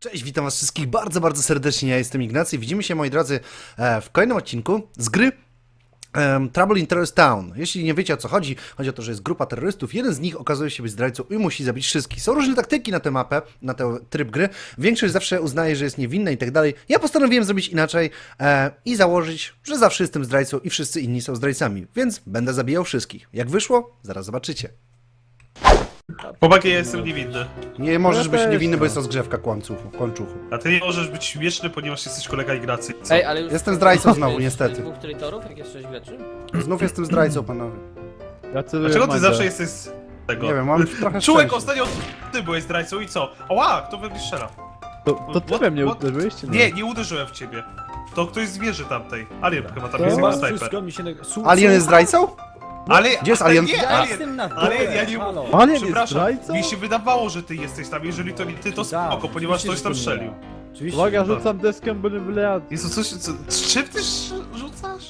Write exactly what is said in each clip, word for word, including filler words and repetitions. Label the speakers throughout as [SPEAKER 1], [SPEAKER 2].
[SPEAKER 1] Cześć, witam was wszystkich bardzo, bardzo serdecznie, ja jestem Ignacy. Widzimy się, moi drodzy, w kolejnym odcinku z gry um, Trouble in Terrorist Town. Jeśli nie wiecie, o co chodzi, chodzi o to, że jest grupa terrorystów, jeden z nich okazuje się być zdrajcą i musi zabić wszystkich. Są różne taktyki na tę mapę, na ten tryb gry. Większość zawsze uznaje, że jest niewinna i tak dalej. Ja postanowiłem zrobić inaczej e, i założyć, że zawsze jestem zdrajcą i wszyscy inni są zdrajcami, więc będę zabijał wszystkich. Jak wyszło? Zaraz zobaczycie.
[SPEAKER 2] Chłopaki, ja jestem niewinny.
[SPEAKER 1] Nie możesz
[SPEAKER 3] Ja
[SPEAKER 1] być
[SPEAKER 3] też,
[SPEAKER 1] niewinny, bo
[SPEAKER 3] no.
[SPEAKER 1] jest rozgrzewka kłamczuchu, kłamczuchu.
[SPEAKER 2] A ty nie możesz być śmieszny, ponieważ jesteś kolega Ignacy. Co?
[SPEAKER 4] Ej, ale już
[SPEAKER 1] Jestem zdrajcą znowu, niestety.
[SPEAKER 4] dwóch traitorów, jak jest sześć graczy?
[SPEAKER 1] Znów jestem zdrajcą, panowie.
[SPEAKER 3] Ja celuję
[SPEAKER 2] Dlaczego
[SPEAKER 3] w
[SPEAKER 2] ty
[SPEAKER 3] Mandzia.
[SPEAKER 2] zawsze jesteś z tego?
[SPEAKER 1] Nie wiem, mam trochę
[SPEAKER 2] Czułek,
[SPEAKER 1] szczęścia.
[SPEAKER 2] ostatnio ty byłeś zdrajcą i co? Ała, kto we mnie strzela?
[SPEAKER 3] To, to ty
[SPEAKER 2] What-
[SPEAKER 3] we mnie
[SPEAKER 2] what-
[SPEAKER 3] uderzyłeś, czy
[SPEAKER 2] Nie, nie uderzyłem w ciebie. To ktoś z wieży tamtej. Alien chyba tam
[SPEAKER 3] To
[SPEAKER 2] jest
[SPEAKER 3] ma
[SPEAKER 2] jego snajper.
[SPEAKER 5] Wszystko mi się... neg- Su-
[SPEAKER 1] Alien jest zdrajcą?
[SPEAKER 2] Ale,
[SPEAKER 1] Gdzie jest
[SPEAKER 2] ale
[SPEAKER 1] Alien?
[SPEAKER 2] Nie,
[SPEAKER 5] Ja
[SPEAKER 2] Alien!
[SPEAKER 5] jestem na dole,
[SPEAKER 2] Ale ja nie...
[SPEAKER 5] halo.
[SPEAKER 3] Alien jest
[SPEAKER 2] Przepraszam,
[SPEAKER 3] zdrajcą?
[SPEAKER 2] mi się wydawało, że ty jesteś tam. Jeżeli to nie ty, to
[SPEAKER 5] Tak,
[SPEAKER 2] spoko, ponieważ
[SPEAKER 5] oczywiście,
[SPEAKER 2] ktoś tam
[SPEAKER 5] że to nie
[SPEAKER 2] strzelił.
[SPEAKER 5] Oczywiście.
[SPEAKER 3] Uwaga, rzucam deskę, byle byle.
[SPEAKER 2] Jezu, coś... Co, z czym ty sz- rzucasz?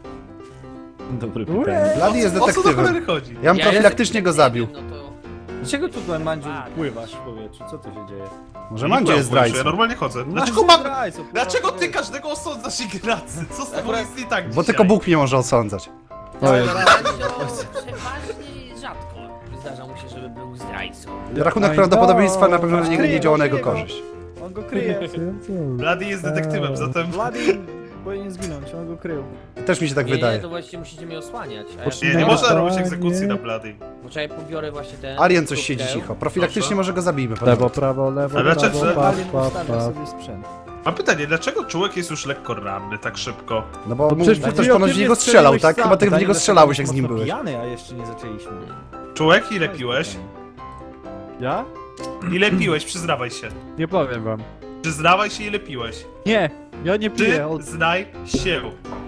[SPEAKER 5] Dobry
[SPEAKER 3] Ue.
[SPEAKER 5] pytanie.
[SPEAKER 1] Blady jest
[SPEAKER 2] O co do
[SPEAKER 1] detektywem.
[SPEAKER 2] cholery chodzi?
[SPEAKER 1] Ja bym profilaktycznie go zabił.
[SPEAKER 4] No to...
[SPEAKER 5] Dlaczego tu tutaj, Mandziu, pływasz w powietrzu? Co tu się dzieje?
[SPEAKER 1] Może
[SPEAKER 2] Nie
[SPEAKER 1] Mandzio jest
[SPEAKER 2] byłem w Ja
[SPEAKER 1] zdrajcą.
[SPEAKER 2] normalnie chodzę.
[SPEAKER 5] No,
[SPEAKER 2] Dlaczego mam...
[SPEAKER 5] zdrajcą, pływasz
[SPEAKER 2] Dlaczego
[SPEAKER 5] w
[SPEAKER 2] ty
[SPEAKER 5] powietrzu.
[SPEAKER 2] każdego osądzasz Ignacy? Co z tobą
[SPEAKER 5] Akurat-
[SPEAKER 2] jest nie tak
[SPEAKER 1] Bo
[SPEAKER 2] dzisiaj?
[SPEAKER 1] tylko Bóg mnie może osądzać.
[SPEAKER 3] To jest.
[SPEAKER 4] Mandzio przeważnie rzadko zdarza mu się, żeby był zdrajcą.
[SPEAKER 1] Rachunek
[SPEAKER 3] Oj,
[SPEAKER 1] prawdopodobieństwa na pewno
[SPEAKER 5] masz
[SPEAKER 1] nie,
[SPEAKER 5] kryje,
[SPEAKER 1] nie działa na
[SPEAKER 5] masz
[SPEAKER 1] jego
[SPEAKER 5] kryje.
[SPEAKER 1] korzyść.
[SPEAKER 5] On go kryje.
[SPEAKER 2] Blady jest detektywem, zatem...
[SPEAKER 5] Vladi powinien zginąć, on go krył.
[SPEAKER 1] Też mi się tak
[SPEAKER 4] nie, nie,
[SPEAKER 1] wydaje.
[SPEAKER 4] to właściwie musicie mnie osłaniać. A
[SPEAKER 1] Poczekaj.
[SPEAKER 2] Nie, nie
[SPEAKER 4] ja...
[SPEAKER 2] można robić egzekucji na Blady.
[SPEAKER 4] Poczekaj, pobiorę właśnie ten...
[SPEAKER 1] Alien coś siedzi
[SPEAKER 4] kukteł.
[SPEAKER 1] cicho. Profilaktycznie
[SPEAKER 2] Proszę.
[SPEAKER 1] może go zabijmy.
[SPEAKER 3] Lewo,
[SPEAKER 1] panowie.
[SPEAKER 3] prawo, lewo,
[SPEAKER 2] Ale dlaczego-
[SPEAKER 3] prawo, pa,
[SPEAKER 5] Alien
[SPEAKER 3] pa,
[SPEAKER 5] ustawia
[SPEAKER 3] pa.
[SPEAKER 5] sobie sprzęt.
[SPEAKER 2] Mam pytanie, dlaczego Czułek jest już lekko ranny tak szybko?
[SPEAKER 1] No bo
[SPEAKER 3] No
[SPEAKER 1] mu-
[SPEAKER 3] przecież
[SPEAKER 1] ktoś
[SPEAKER 3] przed chwilą
[SPEAKER 1] ponoć
[SPEAKER 3] ty
[SPEAKER 1] w
[SPEAKER 3] mnie
[SPEAKER 1] niego strzelał,
[SPEAKER 3] strzeliłeś
[SPEAKER 1] tak?
[SPEAKER 3] sam.
[SPEAKER 1] Chyba ty w
[SPEAKER 5] Pytanie,
[SPEAKER 1] niego
[SPEAKER 5] dlaczego
[SPEAKER 1] strzelałeś, jak
[SPEAKER 5] jest
[SPEAKER 1] z nim
[SPEAKER 5] mocno
[SPEAKER 1] byłeś.
[SPEAKER 5] pijany, a jeszcze nie zaczęliśmy.
[SPEAKER 2] Czułek, ile piłeś?
[SPEAKER 3] Ja?
[SPEAKER 2] Ile piłeś? Przyznawaj się.
[SPEAKER 3] Nie powiem wam.
[SPEAKER 2] Przyznawaj się, ile piłeś.
[SPEAKER 3] Nie, ja nie
[SPEAKER 2] Ty
[SPEAKER 3] piję. Od...
[SPEAKER 2] znaj się.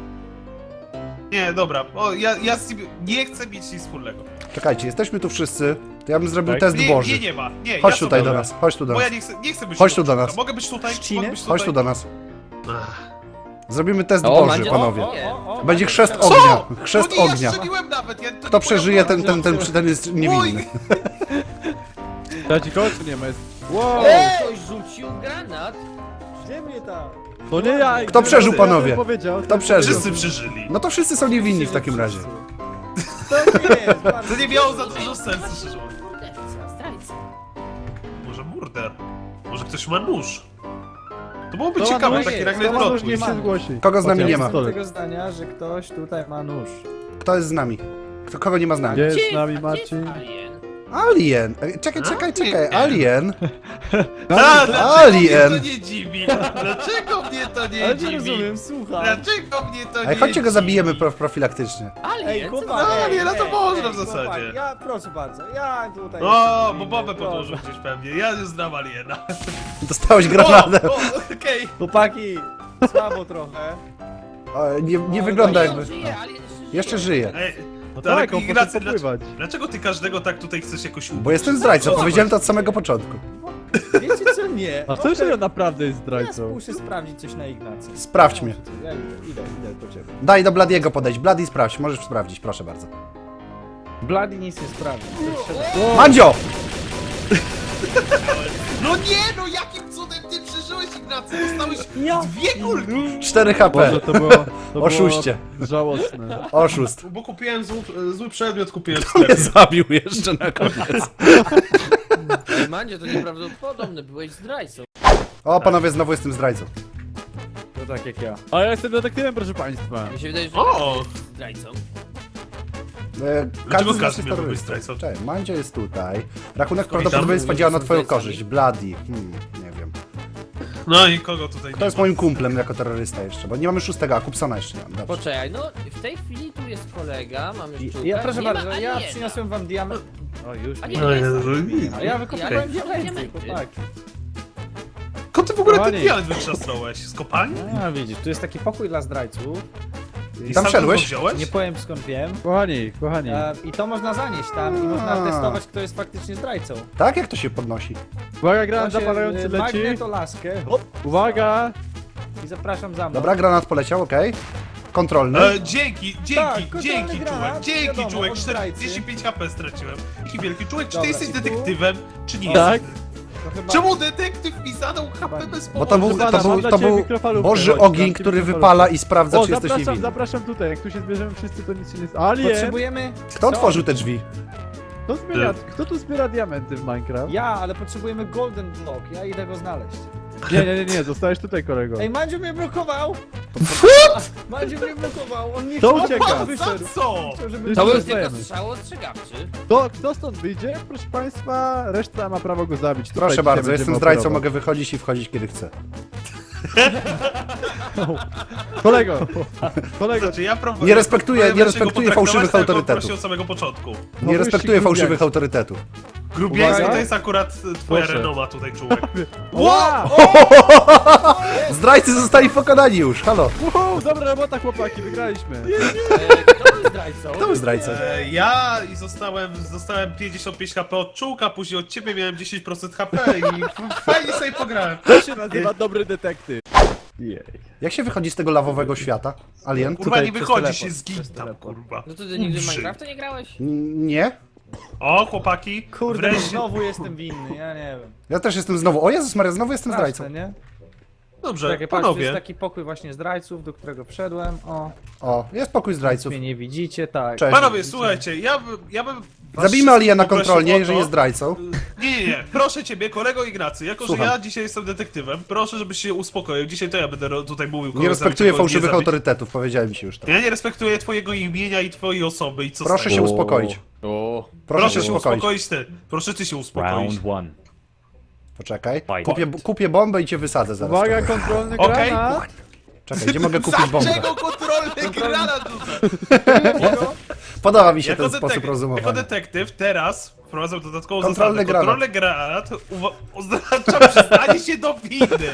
[SPEAKER 2] Nie, dobra, o, ja, ja z nim nie chcę mieć nic wspólnego.
[SPEAKER 1] Czekajcie, jesteśmy tu wszyscy. To ja bym zrobił
[SPEAKER 3] Tak?
[SPEAKER 1] test
[SPEAKER 2] Nie,
[SPEAKER 1] Boży.
[SPEAKER 2] nie, nie ma. Nie,
[SPEAKER 1] Chodź
[SPEAKER 2] ja
[SPEAKER 1] tutaj
[SPEAKER 2] sobie-
[SPEAKER 1] do nas, chodź tu do
[SPEAKER 2] Bo ja
[SPEAKER 1] nas.
[SPEAKER 2] nie chcę, nie chcę być
[SPEAKER 1] Chodź tu do
[SPEAKER 2] obok.
[SPEAKER 1] nas.
[SPEAKER 2] Mogę być tutaj?
[SPEAKER 5] Trzcinę?
[SPEAKER 2] Mogę być tutaj?
[SPEAKER 1] Chodź tu do nas.
[SPEAKER 2] Ach.
[SPEAKER 1] Zrobimy test
[SPEAKER 4] O,
[SPEAKER 1] Boży,
[SPEAKER 4] Mandzio,
[SPEAKER 1] panowie.
[SPEAKER 4] o, nie.
[SPEAKER 5] o,
[SPEAKER 1] Będzie chrzest
[SPEAKER 5] Co?
[SPEAKER 1] ognia. Chrzest
[SPEAKER 2] No nie, ja
[SPEAKER 1] ognia.
[SPEAKER 2] strzeliłem nawet. Ja, to nie
[SPEAKER 1] Kto
[SPEAKER 2] moja
[SPEAKER 1] przeżyje, ten,
[SPEAKER 2] broń.
[SPEAKER 1] ten, ten, ten jest niewinny.
[SPEAKER 3] Ja ci końcu nie ma. Jest... Wow!
[SPEAKER 4] O, ktoś rzucił granat!
[SPEAKER 5] Gdzie mnie tam?
[SPEAKER 3] To nie ja.
[SPEAKER 1] Kto przeżył,
[SPEAKER 3] ja
[SPEAKER 1] panowie?
[SPEAKER 3] bym Powiedział.
[SPEAKER 1] Kto przeżył?
[SPEAKER 2] Wszyscy przeżyli.
[SPEAKER 1] No to wszyscy są niewinni w takim razie.
[SPEAKER 5] To nie jest, bardzo
[SPEAKER 2] To nie miało za dużo sensu, szczerze mówiąc.
[SPEAKER 4] Morderca, zdrajca.
[SPEAKER 2] Może murder. Może ktoś ma nóż. To byłoby
[SPEAKER 3] To ma
[SPEAKER 2] ciekawe,
[SPEAKER 3] nóż,
[SPEAKER 2] taki
[SPEAKER 5] jest,
[SPEAKER 2] nagle
[SPEAKER 5] to ma
[SPEAKER 2] plot
[SPEAKER 5] nóż,
[SPEAKER 2] twist.
[SPEAKER 5] nie
[SPEAKER 3] się
[SPEAKER 5] ma.
[SPEAKER 3] zgłosi.
[SPEAKER 1] Kogo z nami
[SPEAKER 3] Chociaż
[SPEAKER 1] nie ma?
[SPEAKER 3] pistolet.
[SPEAKER 5] tego zdania, że ktoś tutaj ma nóż.
[SPEAKER 1] Kto jest z nami? Kto, kogo nie ma z nami?
[SPEAKER 3] Gdzie jest
[SPEAKER 4] Gdzie
[SPEAKER 3] z nami
[SPEAKER 4] a gdzie jest
[SPEAKER 3] Marcin?
[SPEAKER 4] Alien?
[SPEAKER 1] Alien! E, Czekaj, czekaj, czekaj. Alien!
[SPEAKER 2] A, dlaczego
[SPEAKER 1] Alien.
[SPEAKER 2] mnie to nie dziwi? Dlaczego mnie to nie
[SPEAKER 5] Ale nie
[SPEAKER 2] dziwi?
[SPEAKER 5] rozumiem, słucham.
[SPEAKER 2] Dlaczego mnie to nie
[SPEAKER 1] Ej, chodźcie go
[SPEAKER 2] dziwi?
[SPEAKER 1] zabijemy prof profilaktycznie.
[SPEAKER 4] Alien?
[SPEAKER 5] Ej,
[SPEAKER 4] co
[SPEAKER 5] chłopak,
[SPEAKER 2] No,
[SPEAKER 5] ej,
[SPEAKER 2] nie, no to
[SPEAKER 5] ej,
[SPEAKER 2] można
[SPEAKER 5] ej,
[SPEAKER 2] w zasadzie.
[SPEAKER 5] chłopak, Ja, proszę bardzo, ja tutaj...
[SPEAKER 2] O,
[SPEAKER 5] jestem
[SPEAKER 2] bo
[SPEAKER 5] inny,
[SPEAKER 2] babę
[SPEAKER 5] proszę.
[SPEAKER 2] podłożył gdzieś pewnie. Ja już znam Aliena.
[SPEAKER 1] Dostałeś granatem.
[SPEAKER 2] O, o, okej.
[SPEAKER 5] Chłopaki, słabo trochę.
[SPEAKER 1] O, nie, nie
[SPEAKER 5] O,
[SPEAKER 1] wygląda
[SPEAKER 4] Nie,
[SPEAKER 1] jakby...
[SPEAKER 4] on żyje, Alien jeszcze,
[SPEAKER 1] Jeszcze żyje.
[SPEAKER 2] Ej,
[SPEAKER 3] No
[SPEAKER 2] ale
[SPEAKER 3] tak, on
[SPEAKER 2] Ignacy,
[SPEAKER 3] poszedł
[SPEAKER 2] dlaczego,
[SPEAKER 3] popływać.
[SPEAKER 2] dlaczego ty każdego tak tutaj chcesz jakoś ubić?
[SPEAKER 1] Bo jestem zdrajcą, powiedziałem to od samego początku.
[SPEAKER 5] Wiecie co, nie.
[SPEAKER 3] A co, że ja naprawdę jest
[SPEAKER 5] Ja
[SPEAKER 3] zdrajcą?
[SPEAKER 5] muszę sprawdzić coś na Ignacy.
[SPEAKER 1] Sprawdź mnie.
[SPEAKER 5] Ja idę, idę, idę po ciebie.
[SPEAKER 1] Daj do Bladiego podejść. Bladi, sprawdź, możesz sprawdzić, proszę bardzo.
[SPEAKER 5] Bloody nic nie sprawdzi.
[SPEAKER 1] Mandzio!
[SPEAKER 2] No nie, no jakim cudem ty przeżyłeś, Ignacy? Dostałeś dwie kulki.
[SPEAKER 1] cztery H P.
[SPEAKER 3] Boże, to było... To
[SPEAKER 1] Oszuście.
[SPEAKER 3] Było żałosne.
[SPEAKER 1] Oszust.
[SPEAKER 2] Bo kupiłem zły, zły przedmiot, kupiłem w
[SPEAKER 1] Mnie
[SPEAKER 2] sklepie.
[SPEAKER 1] zabił jeszcze na koniec.
[SPEAKER 4] Ej, Mandzio, to nieprawdopodobne, byłeś zdrajcą.
[SPEAKER 1] O, panowie, znowu jestem zdrajcą.
[SPEAKER 5] To tak jak ja.
[SPEAKER 3] A ja jestem detektywem, proszę państwa.
[SPEAKER 4] Mi się wydaje, że
[SPEAKER 2] O!
[SPEAKER 4] jesteś zdrajcą.
[SPEAKER 1] E,
[SPEAKER 2] Dlaczego
[SPEAKER 1] z nas
[SPEAKER 2] każdy
[SPEAKER 1] jest
[SPEAKER 2] miałby być
[SPEAKER 1] terrorystą.
[SPEAKER 2] zdrajcą?
[SPEAKER 1] Cześć, Mandzio jest tutaj. Rachunek
[SPEAKER 2] Witam.
[SPEAKER 1] prawdopodobieństwa działa na
[SPEAKER 4] Są
[SPEAKER 1] twoją
[SPEAKER 4] zdrajcami.
[SPEAKER 1] korzyść. Bladi. Hmm, nie wiem.
[SPEAKER 2] No i kogo tutaj
[SPEAKER 1] To
[SPEAKER 2] nie
[SPEAKER 1] jest
[SPEAKER 2] ma?
[SPEAKER 1] moim kumplem jako terrorysta jeszcze, bo nie mamy szóstego, a Kupsona jeszcze nie mam. Dobrze.
[SPEAKER 4] Poczekaj, no w tej chwili tu jest kolega, mamy
[SPEAKER 5] I-
[SPEAKER 4] szczurka.
[SPEAKER 5] Ja proszę
[SPEAKER 4] nie ma
[SPEAKER 5] bardzo, ja
[SPEAKER 4] aliena.
[SPEAKER 5] przyniosłem wam diament. O już
[SPEAKER 4] A
[SPEAKER 5] nie.
[SPEAKER 4] nie,
[SPEAKER 2] No
[SPEAKER 4] jest.
[SPEAKER 2] Jezu, nic.
[SPEAKER 5] A ja wykopałem
[SPEAKER 4] Ja-
[SPEAKER 5] diamenty,
[SPEAKER 4] diamenty.
[SPEAKER 5] chłopaki.
[SPEAKER 2] Skąd ty w ogóle ten
[SPEAKER 3] Kochani.
[SPEAKER 2] diament wykrzasnąłeś? Z kopalni?
[SPEAKER 5] A widzisz, tu jest taki pokój dla zdrajców.
[SPEAKER 2] I
[SPEAKER 1] Tam
[SPEAKER 2] sam
[SPEAKER 1] szedłeś?
[SPEAKER 2] go wziąłeś?
[SPEAKER 5] Nie powiem skąd wiem.
[SPEAKER 3] Kochani, kochani.
[SPEAKER 5] E, I to można zanieść tam i można
[SPEAKER 1] A.
[SPEAKER 5] testować, kto jest faktycznie zdrajcą.
[SPEAKER 1] Tak? Jak to się podnosi?
[SPEAKER 3] Uwaga, granat
[SPEAKER 5] To się,
[SPEAKER 3] zapalający
[SPEAKER 5] e,
[SPEAKER 3] leci.
[SPEAKER 5] Magneto-laskę. Hop.
[SPEAKER 3] Uwaga!
[SPEAKER 5] I zapraszam za mną.
[SPEAKER 1] Dobra, granat poleciał, okej. Kontrolny.
[SPEAKER 2] E, dzięki, dzięki,
[SPEAKER 5] Tak, kontrolny
[SPEAKER 2] dzięki
[SPEAKER 5] granat,
[SPEAKER 2] czułek, dzięki
[SPEAKER 5] wiadomo,
[SPEAKER 2] czułek,
[SPEAKER 5] od zdrajcy.
[SPEAKER 2] czterdzieści pięć H P straciłem. Jaki wielki czułek, czy ty
[SPEAKER 5] Dobra,
[SPEAKER 2] jesteś
[SPEAKER 5] i tu?
[SPEAKER 2] detektywem, czy nie
[SPEAKER 3] Tak.
[SPEAKER 2] jesteś?
[SPEAKER 3] To chyba...
[SPEAKER 2] Czemu detektyw mi zadał H P bez
[SPEAKER 1] Bo
[SPEAKER 2] powodu?
[SPEAKER 1] to był,
[SPEAKER 3] Proszę
[SPEAKER 1] to
[SPEAKER 3] pana, mam
[SPEAKER 1] był,
[SPEAKER 3] dla
[SPEAKER 1] to
[SPEAKER 3] ciebie
[SPEAKER 1] był
[SPEAKER 3] mikrofalówkę,
[SPEAKER 1] Boży
[SPEAKER 3] chodź,
[SPEAKER 1] ogień,
[SPEAKER 3] dam ci
[SPEAKER 1] który
[SPEAKER 3] mikrofalówkę.
[SPEAKER 1] wypala i sprawdza,
[SPEAKER 3] O,
[SPEAKER 1] czy jesteś
[SPEAKER 3] zapraszam,
[SPEAKER 1] niewinny.
[SPEAKER 3] zapraszam tutaj, jak tu się zbierzemy wszyscy, to nic się nie stało. Alien!
[SPEAKER 5] Potrzebujemy...
[SPEAKER 1] Kto otworzył te drzwi?
[SPEAKER 3] Kto, zbiera, kto tu zbiera diamenty w Minecraft?
[SPEAKER 5] Ja, ale potrzebujemy golden block, ja idę go znaleźć.
[SPEAKER 3] Nie, nie, nie, nie, zostałeś tutaj, kolego.
[SPEAKER 5] Ej, Mandziu mnie blokował! Mandziu mnie blokował, on nie
[SPEAKER 3] To
[SPEAKER 5] chciał,
[SPEAKER 3] ucieka.
[SPEAKER 5] on wyszedł.
[SPEAKER 2] Za co?
[SPEAKER 5] Chciał, żeby...
[SPEAKER 4] To był
[SPEAKER 3] Zostajemy.
[SPEAKER 4] tylko strzał ostrzegawczy.
[SPEAKER 3] Kto, kto stąd wyjdzie? Proszę państwa, reszta ma prawo go zabić. Tutaj
[SPEAKER 1] Proszę
[SPEAKER 3] dzisiaj
[SPEAKER 1] bardzo,
[SPEAKER 3] będziemy
[SPEAKER 1] jestem zdrajcą,
[SPEAKER 3] operować.
[SPEAKER 1] mogę wychodzić i wchodzić kiedy chcę.
[SPEAKER 3] Kolego, kolego,
[SPEAKER 2] Znaczy, ja próbuję-
[SPEAKER 1] Nie respektuję-
[SPEAKER 2] próbuję
[SPEAKER 1] nie
[SPEAKER 2] wreszcie go
[SPEAKER 1] respektuję
[SPEAKER 2] potraktować
[SPEAKER 1] fałszywych
[SPEAKER 2] tak, jak on
[SPEAKER 1] autorytetów.
[SPEAKER 2] prosił od samego początku.
[SPEAKER 1] Nie
[SPEAKER 3] wyścig
[SPEAKER 1] respektuję fałszywych
[SPEAKER 3] grubiański.
[SPEAKER 1] autorytetów.
[SPEAKER 2] Grubiański
[SPEAKER 3] Uwaga.
[SPEAKER 2] to jest akurat e, twoja
[SPEAKER 3] Proszę.
[SPEAKER 2] renoma tutaj, czułek.
[SPEAKER 3] Ła!
[SPEAKER 1] Zdrajcy zostali pokonani już, halo.
[SPEAKER 3] Uhu, dobra robota, chłopaki, wygraliśmy.
[SPEAKER 4] E, Kto był zdrajcą?
[SPEAKER 1] To był zdrajca.
[SPEAKER 2] E, ja i zostałem, zostałem pięćdziesiąt pięć H P od czułka, później od ciebie miałem dziesięć procent H P i f- fajnie sobie pograłem.
[SPEAKER 3] To się nazywa dobry detektyw. Jej.
[SPEAKER 1] Jak się wychodzi z tego lawowego świata? Alien?
[SPEAKER 2] Kurwa,
[SPEAKER 3] Tutaj
[SPEAKER 2] nie
[SPEAKER 3] przez
[SPEAKER 2] wychodzi
[SPEAKER 3] teleport,
[SPEAKER 2] się, zgin
[SPEAKER 3] przez
[SPEAKER 2] tam,
[SPEAKER 3] teleport.
[SPEAKER 2] kurwa.
[SPEAKER 4] No to ty nigdy w
[SPEAKER 2] Umrzyj.
[SPEAKER 4] Minecrafta nie grałeś?
[SPEAKER 1] N- Nie?
[SPEAKER 2] O, chłopaki,
[SPEAKER 5] Kurde,
[SPEAKER 2] wreszcie...
[SPEAKER 5] znowu jestem winny, ja nie wiem.
[SPEAKER 1] Ja też jestem znowu. O Jezus Maria, znowu jestem
[SPEAKER 5] Straszne,
[SPEAKER 1] zdrajcą.
[SPEAKER 5] nie?
[SPEAKER 2] Dobrze,
[SPEAKER 5] Czekaj, patrz, tu jest
[SPEAKER 2] panowie.
[SPEAKER 5] taki pokój właśnie zdrajców, do którego wszedłem. O,
[SPEAKER 1] O, jest pokój zdrajców.
[SPEAKER 5] mnie nie widzicie, tak.
[SPEAKER 1] Cześć.
[SPEAKER 2] Panowie, słuchajcie, ja bym... Ja bym was
[SPEAKER 1] Zabijmy Aliena
[SPEAKER 2] wszystkich
[SPEAKER 1] kontrolnie,
[SPEAKER 2] poprosił o
[SPEAKER 1] jeżeli
[SPEAKER 2] to-
[SPEAKER 1] jest zdrajcą.
[SPEAKER 2] Nie, nie, nie, proszę ciebie, kolego Ignacy, jako
[SPEAKER 1] Słucham.
[SPEAKER 2] że ja dzisiaj jestem detektywem, proszę, żebyś się uspokoił. Dzisiaj to ja będę ro- tutaj mówił, kogo
[SPEAKER 1] Nie
[SPEAKER 2] zabić,
[SPEAKER 1] respektuję
[SPEAKER 2] a kogo nie
[SPEAKER 1] fałszywych
[SPEAKER 2] zabić.
[SPEAKER 1] autorytetów, powiedziałem ci już to.
[SPEAKER 2] Ja nie respektuję twojego imienia i twojej osoby i co z
[SPEAKER 1] Proszę
[SPEAKER 2] tego?
[SPEAKER 1] się uspokoić.
[SPEAKER 3] O,
[SPEAKER 1] Proszę się uspokoić.
[SPEAKER 2] uspokoić ty. Proszę ty się uspokoić.
[SPEAKER 6] one.
[SPEAKER 1] Poczekaj.
[SPEAKER 6] Fight.
[SPEAKER 1] Kupię, kupię bombę i cię wysadzę zaraz.
[SPEAKER 3] uwaga, kontrolny
[SPEAKER 2] Okej.
[SPEAKER 3] granat.
[SPEAKER 1] Czekaj, gdzie mogę kupić bombę?
[SPEAKER 2] Dlaczego kontrolny granat rzuca?
[SPEAKER 1] Podoba mi się
[SPEAKER 2] Jako,
[SPEAKER 1] ten sposób
[SPEAKER 2] detek- jako
[SPEAKER 1] rozumowania.
[SPEAKER 2] detektyw teraz wprowadzam dodatkową
[SPEAKER 1] Kontrolny
[SPEAKER 2] zasadę.
[SPEAKER 1] granat.
[SPEAKER 2] Kontrolny granat uwa- oznacza przyznanie się do winy.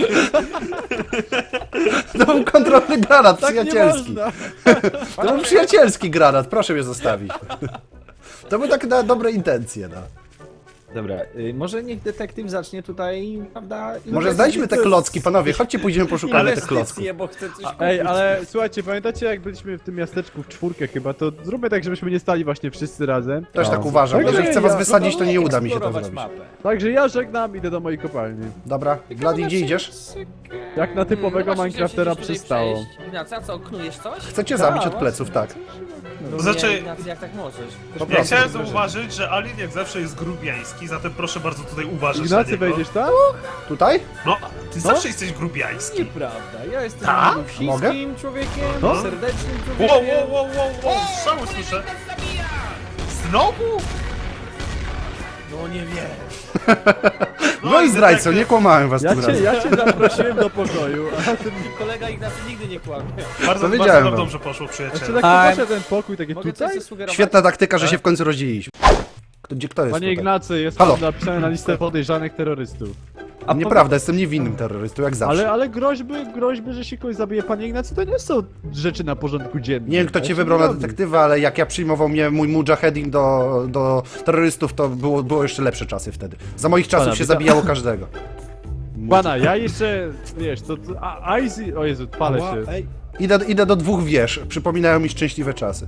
[SPEAKER 1] To był kontrolny granat,
[SPEAKER 3] Tak nie
[SPEAKER 1] przyjacielski.
[SPEAKER 3] można.
[SPEAKER 1] To był przyjacielski granat, proszę mnie zostawić. To były takie na dobre intencje, no.
[SPEAKER 5] Dobra, y, może niech detektyw zacznie tutaj, prawda?
[SPEAKER 1] Może znajdźmy te klocki, panowie, chodźcie pójdziemy poszukamy tych klocków.
[SPEAKER 5] Inwestycje, bo chcę coś
[SPEAKER 3] Ej,
[SPEAKER 5] kupić.
[SPEAKER 3] ale słuchajcie, pamiętacie jak byliśmy w tym miasteczku w czwórkę chyba, to zróbmy tak, żebyśmy nie stali właśnie wszyscy razem.
[SPEAKER 1] Też tak uważam,
[SPEAKER 3] Także
[SPEAKER 1] jeżeli chcę was
[SPEAKER 3] ja-
[SPEAKER 1] wysadzić, to nie uda mi się to
[SPEAKER 5] Eksplorować
[SPEAKER 1] zrobić.
[SPEAKER 5] mapę.
[SPEAKER 3] Także ja żegnam, idę do mojej kopalni.
[SPEAKER 1] Dobra, Gladi, gdzie idziesz?
[SPEAKER 3] Jak na typowego
[SPEAKER 4] No właśnie,
[SPEAKER 3] Minecraftera
[SPEAKER 4] chciałem się
[SPEAKER 3] przystało.
[SPEAKER 4] tutaj przejść. Ignacy, a co, knujesz coś?
[SPEAKER 1] Chcę cię
[SPEAKER 3] Tak,
[SPEAKER 1] zabić od
[SPEAKER 3] właśnie.
[SPEAKER 1] pleców, tak.
[SPEAKER 4] No
[SPEAKER 2] Znaczy-
[SPEAKER 4] nie, Ignacy, jak tak możesz?
[SPEAKER 1] Po
[SPEAKER 2] Ja
[SPEAKER 1] prostu.
[SPEAKER 2] chciałem zauważyć, że Alien jak zawsze jest grubiański, zatem proszę bardzo tutaj uważać
[SPEAKER 3] Ignacy,
[SPEAKER 2] na niego.
[SPEAKER 3] wejdziesz tam?
[SPEAKER 1] Tutaj?
[SPEAKER 2] No, ty zawsze jesteś grubiański.
[SPEAKER 5] Nieprawda, ja jestem
[SPEAKER 2] Tak?
[SPEAKER 1] Mogę?
[SPEAKER 5] wszystkim człowiekiem,
[SPEAKER 3] No.
[SPEAKER 5] serdecznym
[SPEAKER 2] Wow,
[SPEAKER 5] człowiekiem.
[SPEAKER 2] wow, wow, wow, wow, strzały słyszę. Znowu?
[SPEAKER 4] No nie wiem.
[SPEAKER 1] No i zdrajco,
[SPEAKER 2] detektyw-
[SPEAKER 1] nie kłamałem was
[SPEAKER 3] Ja
[SPEAKER 1] tym
[SPEAKER 3] cię,
[SPEAKER 1] razem.
[SPEAKER 3] ja cię zaprosiłem do pokoju, a ten...
[SPEAKER 4] Kolega Ignacy nigdy nie kłamie.
[SPEAKER 2] Bardzo,
[SPEAKER 1] To
[SPEAKER 2] bardzo
[SPEAKER 1] wiedziałem
[SPEAKER 2] nam
[SPEAKER 1] wam.
[SPEAKER 2] dobrze poszło,
[SPEAKER 3] Jeszcze
[SPEAKER 2] przyjaciele.
[SPEAKER 3] tak popatrzę ten pokój, takie
[SPEAKER 5] Mogę coś
[SPEAKER 3] tutaj?
[SPEAKER 5] zasugerować?
[SPEAKER 1] Świetna taktyka, że się w końcu rozdzieliliśmy. Kto, gdzie, kto jest
[SPEAKER 3] Panie
[SPEAKER 1] tutaj?
[SPEAKER 3] Ignacy, jest
[SPEAKER 1] Halo.
[SPEAKER 3] pan napisany na listę podejrzanych terrorystów.
[SPEAKER 1] A nieprawda, jestem niewinnym terrorystą, jak zawsze.
[SPEAKER 3] Ale, ale groźby, groźby, że się kogoś zabije, panie Ignacy, to nie są rzeczy na porządku dziennym.
[SPEAKER 1] Nie wiem, kto
[SPEAKER 3] Ja
[SPEAKER 1] cię
[SPEAKER 3] się
[SPEAKER 1] wybrał
[SPEAKER 3] nie
[SPEAKER 1] na
[SPEAKER 3] robi.
[SPEAKER 1] detektywa, ale jak ja przyjmował mnie mój mujahedin do, do terrorystów, to było, było jeszcze lepsze czasy wtedy. Za moich czasów
[SPEAKER 3] Pana,
[SPEAKER 1] się
[SPEAKER 3] widzę-
[SPEAKER 1] zabijało każdego.
[SPEAKER 3] Pana, ja jeszcze, wiesz, to... to a, Icy... O Jezu, palę się.
[SPEAKER 5] Ej,
[SPEAKER 1] Idę, idę do dwóch wież, przypominają mi szczęśliwe czasy.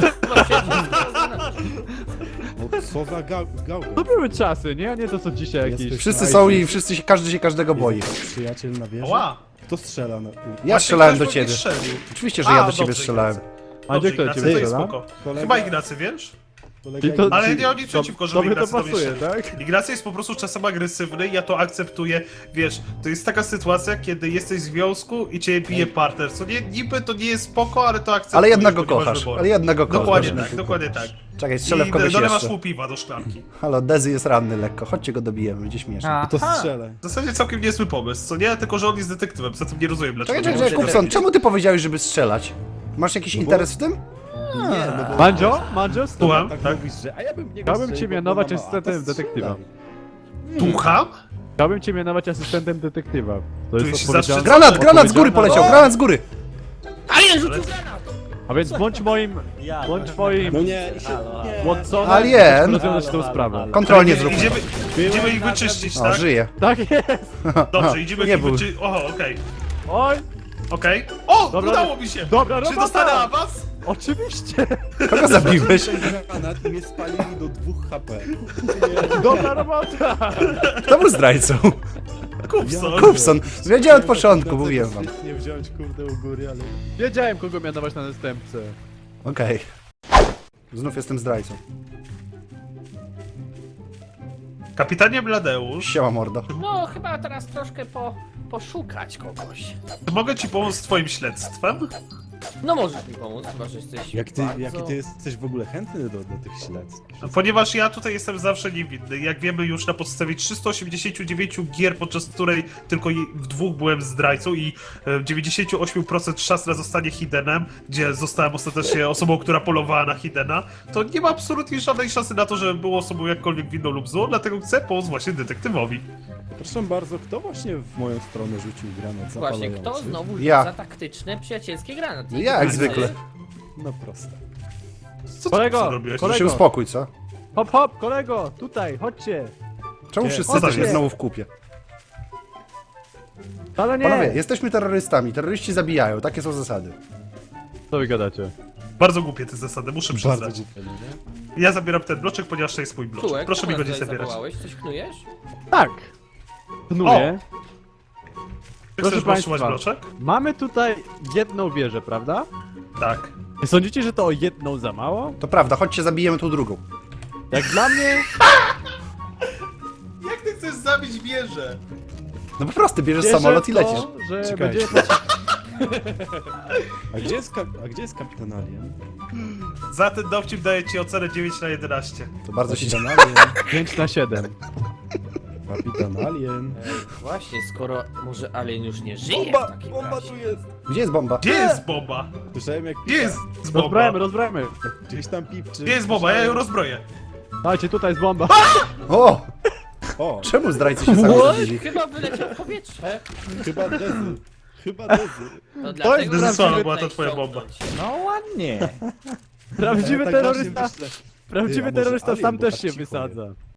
[SPEAKER 7] No co za gał gałka?
[SPEAKER 3] To były czasy, nie? A nie to co dzisiaj jakieś...
[SPEAKER 1] Wszyscy są i wszyscy się, każdy się każdego boi.
[SPEAKER 7] Przyjaciel na wieży?
[SPEAKER 2] Ła!
[SPEAKER 7] Kto strzela na...
[SPEAKER 1] Ja
[SPEAKER 2] Właśnie
[SPEAKER 1] strzelałem do
[SPEAKER 2] ktoś we mnie
[SPEAKER 1] ciebie.
[SPEAKER 2] strzelił.
[SPEAKER 1] Oczywiście, że
[SPEAKER 2] A,
[SPEAKER 1] ja do ciebie
[SPEAKER 2] dobrze,
[SPEAKER 1] strzelałem.
[SPEAKER 2] Ignacy.
[SPEAKER 3] A gdzie
[SPEAKER 2] Dobrze,
[SPEAKER 3] kto
[SPEAKER 2] Ignacy,
[SPEAKER 3] ciebie
[SPEAKER 2] to jest
[SPEAKER 3] strzela?
[SPEAKER 2] spoko.
[SPEAKER 7] Kolega-
[SPEAKER 2] Chyba Ignacy, wiesz?
[SPEAKER 7] Kolega
[SPEAKER 3] I to-
[SPEAKER 7] Ignacy-
[SPEAKER 2] Ale nie mam nic przeciwko, żeby
[SPEAKER 3] Tobie to
[SPEAKER 2] Ignacy do mnie
[SPEAKER 3] pasuje,
[SPEAKER 2] strzelił.
[SPEAKER 3] tak?
[SPEAKER 2] Ignacy jest po prostu czasem agresywny, ja to akceptuję. Wiesz, to jest taka sytuacja, kiedy jesteś w związku i cię bije partner. Co nie, niby to nie jest spoko, ale to akceptujesz.
[SPEAKER 1] Ale jednak go
[SPEAKER 2] bo nie masz
[SPEAKER 1] kochasz,
[SPEAKER 2] wyboru.
[SPEAKER 1] ale jednak go kochasz.
[SPEAKER 2] Dokładnie
[SPEAKER 1] Dobrze.
[SPEAKER 2] tak, dokładnie tak.
[SPEAKER 1] Czekaj, strzelę w
[SPEAKER 2] I
[SPEAKER 1] kogoś
[SPEAKER 2] dolewasz
[SPEAKER 1] jeszcze.
[SPEAKER 2] mu piwa do szklanki.
[SPEAKER 1] Halo, Dezy jest ranny lekko, chodźcie go dobijemy, będzie śmiesznie.
[SPEAKER 7] To strzelaj.
[SPEAKER 2] W zasadzie całkiem niezły pomysł, co nie? Tylko, że on jest detektywem, zatem nie rozumiem dlaczego.
[SPEAKER 1] Czekaj, czekaj,
[SPEAKER 2] nie
[SPEAKER 1] czekaj,
[SPEAKER 2] może-
[SPEAKER 1] Kupson, czemu ty powiedziałeś, żeby strzelać? Masz jakiś interes w tym?
[SPEAKER 7] Nie, no bo...
[SPEAKER 3] Mandzio? Mandzio?
[SPEAKER 2] Słucham?
[SPEAKER 7] Tak,
[SPEAKER 2] Tak?
[SPEAKER 7] mówisz, że... A ja bym nie
[SPEAKER 3] Chciałbym cię mianować asystentem detektywa.
[SPEAKER 2] Słucham?
[SPEAKER 3] Chciałbym cię mianować asystentem detektywa. To
[SPEAKER 2] Tu
[SPEAKER 3] jest
[SPEAKER 2] się
[SPEAKER 3] odpowiedzialne.
[SPEAKER 2] zawsze-
[SPEAKER 1] Granat, granat z góry
[SPEAKER 3] Odpowiedzialna-
[SPEAKER 1] poleciał, granat z góry!
[SPEAKER 4] Alien rzucił granat!
[SPEAKER 3] A więc bądź moim... Bądź moim...
[SPEAKER 7] No nie, się... nie.
[SPEAKER 3] Watsonem,
[SPEAKER 1] Alien!
[SPEAKER 3] rozwiązać tę sprawę.
[SPEAKER 1] Kontrolnie zrób.
[SPEAKER 2] Idziemy, idziemy ich wyczyścić,
[SPEAKER 1] O,
[SPEAKER 2] tak?
[SPEAKER 1] żyje.
[SPEAKER 3] Tak jest!
[SPEAKER 2] Dobrze, idziemy
[SPEAKER 1] Nie
[SPEAKER 2] ich
[SPEAKER 1] był.
[SPEAKER 2] wyczyścić. Oho, okej.
[SPEAKER 3] Oj!
[SPEAKER 2] Okej. O,
[SPEAKER 3] Dobra,
[SPEAKER 2] udało mi się!
[SPEAKER 3] dobra
[SPEAKER 2] Czy
[SPEAKER 3] robota!
[SPEAKER 2] dostanę awans?
[SPEAKER 3] Oczywiście!
[SPEAKER 1] Kogo zabiłeś?
[SPEAKER 7] Granat i mnie spalili do dwóch H P.
[SPEAKER 3] Dobra robota!
[SPEAKER 1] Kto był zdrajcą?
[SPEAKER 2] Kupson.
[SPEAKER 1] Kupson. Wiedziałem od początku, mówiłem wam.
[SPEAKER 7] Nie wziąć kurde u góry, ale...
[SPEAKER 3] Wiedziałem, kogo mianować na następcę.
[SPEAKER 1] Okej. Znów jestem zdrajcą.
[SPEAKER 2] Kapitanie Bladeusz,
[SPEAKER 1] Siema mordo.
[SPEAKER 4] No, chyba teraz troszkę po, poszukać kogoś.
[SPEAKER 2] czy mogę ci pomóc z twoim śledztwem?
[SPEAKER 4] No możesz mi pomóc, chyba że jesteś
[SPEAKER 7] Jak ty,
[SPEAKER 4] bardzo...
[SPEAKER 7] jaki ty jesteś w ogóle chętny do, do tych śledztw?
[SPEAKER 2] Ponieważ ja tutaj jestem zawsze niewinny. Jak wiemy już na podstawie trzystu osiemdziesięciu dziewięciu gier, podczas której tylko je- w dwóch byłem zdrajcą i e, dziewięćdziesiąt osiem procent szans na zostanie Hidenem, gdzie zostałem ostatecznie osobą, która polowała na Hidena, to nie ma absolutnie żadnej szansy na to, żeby było osobą jakkolwiek winną lub złą, dlatego chcę pomóc właśnie detektywowi.
[SPEAKER 7] Proszę bardzo, kto właśnie w moją stronę rzucił granat
[SPEAKER 4] Właśnie,
[SPEAKER 7] zapalający?
[SPEAKER 4] kto znowu
[SPEAKER 1] Ja.
[SPEAKER 4] za taktyczne, przyjacielskie granaty?
[SPEAKER 1] Ja, jak
[SPEAKER 4] Ty?
[SPEAKER 1] zwykle.
[SPEAKER 7] No proste.
[SPEAKER 2] Co ty
[SPEAKER 3] Kolego,
[SPEAKER 2] co robiłeś?
[SPEAKER 3] kolego.
[SPEAKER 1] Się uspokój, co?
[SPEAKER 3] Hop, hop, kolego, tutaj, chodźcie.
[SPEAKER 1] Czemu
[SPEAKER 7] Nie,
[SPEAKER 1] wszyscy
[SPEAKER 2] chodźcie.
[SPEAKER 1] jesteśmy znowu w kupie?
[SPEAKER 3] Ale nie!
[SPEAKER 1] Panowie, jesteśmy terrorystami. Terroryści zabijają. Takie są zasady.
[SPEAKER 3] Co wy gadacie?
[SPEAKER 2] Bardzo głupie te zasady, muszę
[SPEAKER 7] Bardzo
[SPEAKER 2] przyznać.
[SPEAKER 7] głupie, nie?
[SPEAKER 2] Ja zabieram ten bloczek, ponieważ to jest mój bloczek.
[SPEAKER 4] Czułek,
[SPEAKER 2] Proszę mi
[SPEAKER 4] czemu
[SPEAKER 2] go nie
[SPEAKER 4] nas tutaj
[SPEAKER 2] zabierać.
[SPEAKER 4] zawołałeś? Coś knujesz?
[SPEAKER 3] Tak! Knuję.
[SPEAKER 2] Czy
[SPEAKER 3] Proszę
[SPEAKER 2] chcesz
[SPEAKER 3] państwa.
[SPEAKER 2] trzymać bloczek?
[SPEAKER 3] Mamy tutaj jedną wieżę, prawda?
[SPEAKER 2] Tak.
[SPEAKER 3] Nie sądzicie, że to o jedną za mało?
[SPEAKER 1] To prawda, chodźcie, zabijemy tą drugą.
[SPEAKER 3] Jak dla mnie...
[SPEAKER 2] Jak ty chcesz zabić wieżę?
[SPEAKER 1] No po prostu, bierzesz
[SPEAKER 3] wierzę
[SPEAKER 1] samolot i
[SPEAKER 3] w to,
[SPEAKER 1] lecisz.
[SPEAKER 3] że
[SPEAKER 7] Czekajcie.
[SPEAKER 3] będziemy...
[SPEAKER 7] A gdzie jest, kap a gdzie jest kapitan Alien?
[SPEAKER 2] Za ten dowcip daję ci ocenę dziewięć na jedenaście.
[SPEAKER 1] To bardzo się
[SPEAKER 7] Kapitan Alien.
[SPEAKER 3] pięć na siedem.
[SPEAKER 7] Kapitan Alien.
[SPEAKER 4] Ej, właśnie, skoro może Alien już nie żyje
[SPEAKER 7] Bomba!
[SPEAKER 4] w takim
[SPEAKER 7] Bomba
[SPEAKER 4] razie.
[SPEAKER 7] tu jest!
[SPEAKER 1] Gdzie jest bomba?
[SPEAKER 2] Gdzie jest bomba?
[SPEAKER 7] Słyszałem jak
[SPEAKER 2] Gdzie jest bomba?
[SPEAKER 3] Rozbrajmy, rozbrajmy.
[SPEAKER 7] gdzieś tam pipczy.
[SPEAKER 2] Gdzie jest bomba? Ja ją rozbroję.
[SPEAKER 3] Dajcie, tutaj jest bomba.
[SPEAKER 1] O!
[SPEAKER 7] O,
[SPEAKER 1] Czemu zdrajcy się sami
[SPEAKER 4] What?
[SPEAKER 1] zabili?
[SPEAKER 4] Chyba wyleciał w powietrze.
[SPEAKER 7] chyba Dezy. Chyba Dezy.
[SPEAKER 4] No dlatego
[SPEAKER 2] Dezysława
[SPEAKER 4] musimy
[SPEAKER 2] była to
[SPEAKER 4] tutaj
[SPEAKER 2] twoja bomba.
[SPEAKER 4] ściągnąć.
[SPEAKER 5] No ładnie.
[SPEAKER 3] Prawdziwy
[SPEAKER 7] Ja tak
[SPEAKER 3] terrorysta...
[SPEAKER 7] właśnie myślę.
[SPEAKER 3] Prawdziwy
[SPEAKER 7] Ty, a może
[SPEAKER 3] terrorysta
[SPEAKER 7] Alien,
[SPEAKER 3] sam
[SPEAKER 7] bo
[SPEAKER 3] też
[SPEAKER 7] tak
[SPEAKER 3] się
[SPEAKER 7] cicho
[SPEAKER 3] wysadza.